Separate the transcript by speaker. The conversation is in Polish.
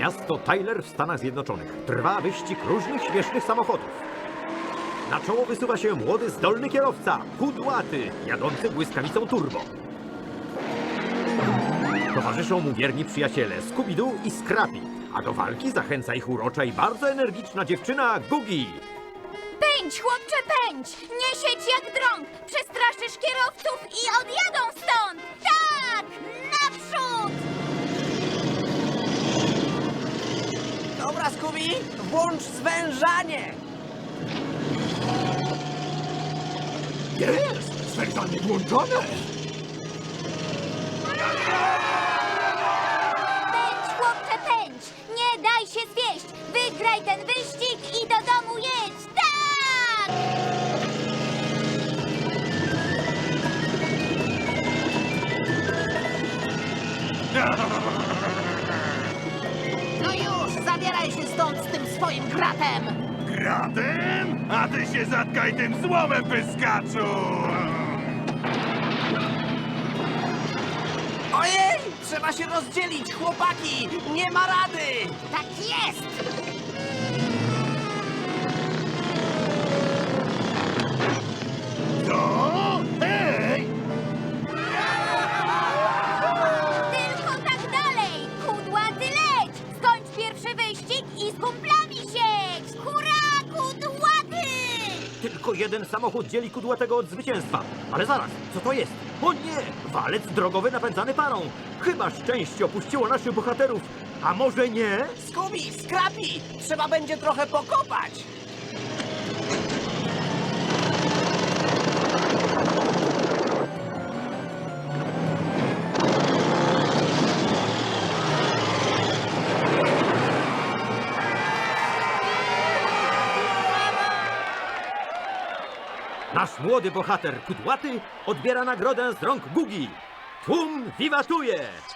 Speaker 1: Miasto Tyler w Stanach Zjednoczonych. Trwa wyścig różnych śmiesznych samochodów. Na czoło wysuwa się młody, zdolny kierowca, kudłaty, jadący błyskawicą turbo. Towarzyszą mu wierni przyjaciele Scooby-Doo i Scrappy, a do walki zachęca ich urocza i bardzo energiczna dziewczyna Googie.
Speaker 2: Pędź, chłopcze, pędź! Nie siedź jak drąg! Przestraszysz kierowców i odjadą stąd! Tak! Naprzód!
Speaker 3: Dobra, Scooby, włącz zwężanie!
Speaker 1: Jest! Zwężanie włączone!
Speaker 2: Pędź, chłopcze, pędź! Nie daj się zwieść! Wygraj ten wyścig i do domu jedź! Tak!
Speaker 3: No już, zabieraj się stąd z tym swoim gratem!
Speaker 4: Gratem? A ty się zatkaj tym złomem, pyskaczu!
Speaker 3: Ojej, trzeba się rozdzielić, chłopaki! Nie ma rady!
Speaker 2: Tak jest!
Speaker 4: Co? Hej!
Speaker 2: Tylko tak dalej! Kudłaty leć! Skończ pierwszy wyścig i z kumplami siedź! Hurra, kudłaty!
Speaker 1: Tylko jeden samochód dzieli kudłatego od zwycięstwa. Ale zaraz, co to jest? O nie! Walec drogowy napędzany parą. Chyba szczęście opuściło naszych bohaterów. A może nie?
Speaker 3: Scooby, Scrappy, trzeba będzie trochę pokopać!
Speaker 1: Nasz młody bohater Kudłaty odbiera nagrodę z rąk Gugi. Tłum wiwatuje!